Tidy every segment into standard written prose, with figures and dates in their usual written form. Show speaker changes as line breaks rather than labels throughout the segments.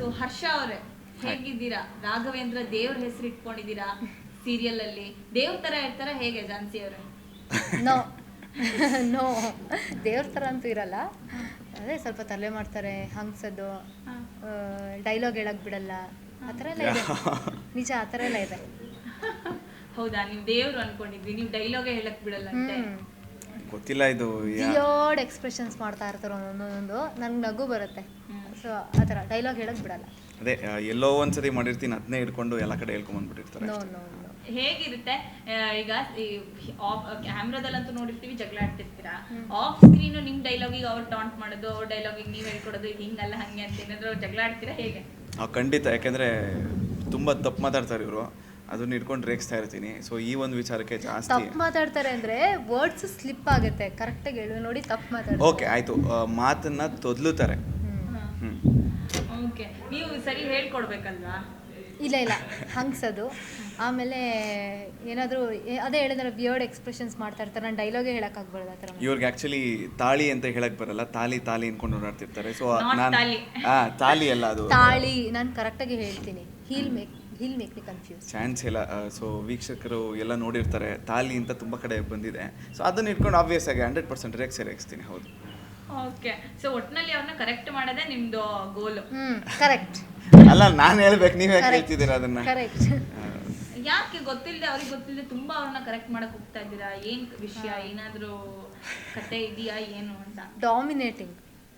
ಹರ್ಷ ಅವರೇ ಹೇಗಿದ್ದೀರಾ? ರಾಘವೇಂದ್ರ ದೇವ್ರ ಹೆಸರು ಇಟ್ಕೊಂಡಿದ್ದೀರಾ ಸೀರಿಯಲ್ ಅಲ್ಲಿ. ದೇವ್ರ ತರ ಇರ್ತಾರ ಹೇಗೆ ಝಾನ್ಸಿ ಅವರೇ?
ನೋ ನೋ, ದೇವ್ರ ಥರ ಅಂತೂ ಇರಲ್ಲ. ಅದೇ ಸ್ವಲ್ಪ ತಲೆ ಮಾಡ್ತಾರೆ, ಹಂಗ್ಸೋದು, ಡೈಲಾಗ್ ಹೇಳಕ್ ಬಿಡಲ್ಲ, ಆ ಥರ ಎಲ್ಲ ಇದೆ. ನಿಜ, ಆ ಥರ ಎಲ್ಲ ಇದೆ.
ಹೌದಾ, ನೀವು ದೇವ್ರು ಅನ್ಕೊಂಡಿದ್ವಿ, ನೀವು ಡೈಲಾಗೇ ಹೇಳಕ್ ಬಿಡಲ್ಲ ಅಂತೆ.
ಗೊತ್ತಿಲ್ಲ ಇದು.
ವಿಯರ್ಡ್ ಎಕ್ಸ್ಪ್ರೆಷನ್ಸ್ ಮಾಡ್ತಾ ಇರ್ತಾರೆ ಒಂದೊಂದು, ನನ್ಗೆ ನಗು ಬರುತ್ತೆ. ಸೊ ಆ ಥರ ಡೈಲಾಗ್ ಹೇಳಕ್ ಬಿಡಲ್ಲ.
ಅದೇ ಎಲ್ಲೋ ಒಂದ್ಸತಿ ಮಾಡಿರ್ತೀನಿ, ಅದನ್ನೇ ಹಿಡ್ಕೊಂಡು ಎಲ್ಲ ಕಡೆ ಹೇಳ್ಕೊಂಡ್ಬಂದ್ಬಿಟ್ಟಿರ್ತಾರೆ.
No no no.
ಹೇಗಿರುತ್ತೆ ಈಗ ಕ್ಯಾಮ್ರಾದಲ್ಲಂತೂ ನೋಡಿರ್ತೀವಿ ಜಗಳ ಆಡ್ತಿರ್ತೀರಾ, ಆಫ್ ಸ್ಕ್ರೀನ್ ನಿಮ್ ಡೈಲಾಗಿಗೆ ಅವ್ರು ಟಾಂಟ್ ಮಾಡೋದು, ಅವ್ರ ಡೈಲಾಗಿಗೆ ನೀವ್ ಹೇಳ್ಕೊಡೋದು, ಹಿಂಗಲ್ಲ ಹಂಗೆ ಅಂತ ಏನಾದ್ರು ಜಗಳ ಆಡ್ತೀರಾ ಹೇಗೆ?
ಖಂಡಿತ, ಯಾಕೆಂದ್ರೆ ತುಂಬಾ ತಪ್ಪು ಮಾತಾಡ್ತಾರೆ ಇವರು, ಅದನ್ನ ಹಿಡ್ಕೊಂಡು ರೇಗಿಸ್ತಾ ಇರ್ತೀನಿ. ಸೊ ಈ ಒಂದು ವಿಚಾರಕ್ಕೆ ಜಾಸ್ತಿ
ತಪ್ಪು ಮಾತಾಡ್ತಾರೆ ಅಂದ್ರೆ ವರ್ಡ್ಸ್ ಸ್ಲಿಪ್ ಆಗುತ್ತೆ. ಕರೆಕ್ಟಾಗಿ ಹೇಳು ನೋಡಿ, ತಪ್ಪು ಮಾತಾಡ್ತಾರೆ.
ಓಕೆ ಆಯ್ತು, ಮಾತನ್ನ ತೊದ್ಲುತ್ತಾರೆ.
ಓಕೆ, ನೀವು ಸರಿ ಹೇಳ್ಕೊಡ್ಬೇಕಲ್ವಾ?
ಇಲ್ಲ ಇಲ್ಲ, ಹಂಗ್ಸೋದು. ಆಮೇಲೆ ಏನಾದರೂ ಅದೇ ಹೇಳಿದ್ರೆ ವಿಯರ್ಡ್ ಎಕ್ಸ್ಪ್ರೆಷನ್ಸ್ ಮಾಡ್ತಾ ಇರ್ತಾರೆ. ನಾನು ಡೈಲಾಗೇ ಹೇಳೋಕ್ಕಾಗ್ಬಾರ್ದು ಆ ಥರ.
ಇವ್ರಿಗೆ ಆ್ಯಕ್ಚುಲಿ ತಾಳಿ ಅಂತ ಹೇಳಕ್ ಬರಲ್ಲ, ತಾಲಿ ತಾಲಿ ಅನ್ಕೊಂಡು ಓಡಾಡ್ತಿರ್ತಾರೆ. ಸೊ ನಾನು
ತಾಲಿ.
ತಾಲಿ ಅಲ್ಲ ಅದು
ತಾಳಿ. ನಾನು ಕರೆಕ್ಟಾಗಿ ಹೇಳ್ತೀನಿ. He'll make me confuse.
Chance ಇಲ್ಲ. ಸೊ ವೀಕ್ಷಕರು ಎಲ್ಲ ನೋಡಿರ್ತಾರೆ, ತಾಲಿ ಅಂತ ತುಂಬ ಕಡೆ ಬಂದಿದೆ. ಸೊ ಅದನ್ನ ಇಟ್ಕೊಂಡು ಆಬ್ವಿಯಸ್ ಆಗಿ 100% ರೇಗಿಸ್ತೀನಿ. ಹೌದು.
ಓಕೆ, ಸೊ ಒಟ್ಟಿನಲ್ಲಿ ಅವ್ರನ್ನ ಕರೆಕ್ಟ್ ಮಾಡೋದೇ ನಿಮ್ದು ಗೋಲು.
ಕರೆಕ್ಟ್.
ಅಲ್ಲ, ನಾನು ಹೇಳ್ಬೇಕು, ನೀವ್ ಯಾಕೆ ಹೇಳ್ತಿದ್ದೀರಾ ಅದನ್ನ?
ಕರೆಕ್ಟ್.
ಯಾಕೆ ಗೊತ್ತಿಲ್ಲದೆ, ಅವ್ರಿಗೆ ಗೊತ್ತಿಲ್ಲದೆ ತುಂಬಾ ಅವ್ರನ್ನ ಕರೆಕ್ಟ್ ಮಾಡಕ್ ಹೋಗ್ತಾ ಇದ್ದೀರಾ? ಏನ್ ವಿಷಯ, ಏನಾದ್ರೂ ಕತೆ ಇದೆಯಾ ಏನು ಅಂತ?
ಡಾಮಿನೇಟಿಂಗ್.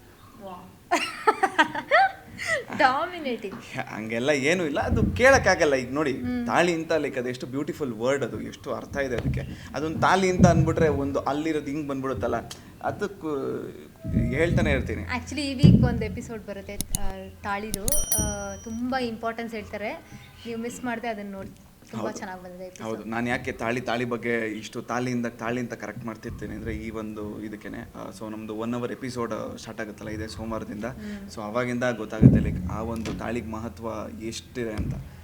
ಡಾಮಿನೇಟಿಂಗ್.
ಹಂಗೆಲ್ಲ ಏನೂ ಇಲ್ಲ, ಅದು ಕೇಳಕ್ಕಾಗಲ್ಲ. ಈಗ ನೋಡಿ, ತಾಳಿ ಅಂತ ಲೈಕ್ ಅದು ಎಷ್ಟು ಬ್ಯೂಟಿಫುಲ್ ವರ್ಡ್, ಅದು ಎಷ್ಟು ಅರ್ಥ ಇದೆ ಅದಕ್ಕೆ. ಅದೊಂದು ತಾಳಿ ಅಂತ ಅಂದ್ಬಿಟ್ರೆ ಒಂದು ಅಲ್ಲಿರೋದು ಹಿಂಗೆ ಬಂದ್ಬಿಡುತ್ತಲ್ಲ, ಅದಕ್ಕೂ ಹೇಳ್ತಾನೆ ಇರ್ತೀನಿ.
ಆ್ಯಕ್ಚುಲಿ ಈ ವೀಕ್ ಒಂದು ಎಪಿಸೋಡ್ ಬರುತ್ತೆ ತಾಳಿದು, ತುಂಬ ಇಂಪಾರ್ಟೆನ್ಸ್ ಹೇಳ್ತಾರೆ. ನೀವು ಮಿಸ್ ಮಾಡದೆ ಅದನ್ನು ನೋಡಿ, ತುಂಬ ಚೆನ್ನಾಗಿ ಬಂದಿದೆ.
ಹೌದು, ನಾನು ಯಾಕೆ ತಾಳಿ ಬಗ್ಗೆ ಇಷ್ಟು ತಾಳಿ ಅಂತ ಕರೆಕ್ಟ್ ಮಾಡ್ತಿರ್ತೀನಿ ಅಂದರೆ ಈ ಒಂದು ಇದಕ್ಕೇನೆ. ಸೊ ನಮ್ಮದು 1 hour ಎಪಿಸೋಡ್ ಸ್ಟಾರ್ಟ್ ಆಗುತ್ತಲ್ಲ ಇದೆ ಸೋಮವಾರದಿಂದ. ಸೊ ಅವಾಗಿಂದ ಗೊತ್ತಾಗುತ್ತೆ ಲೈಕ್ ಆ ಒಂದು ತಾಳಿಗೆ ಮಹತ್ವ ಎಷ್ಟಿದೆ ಅಂತ.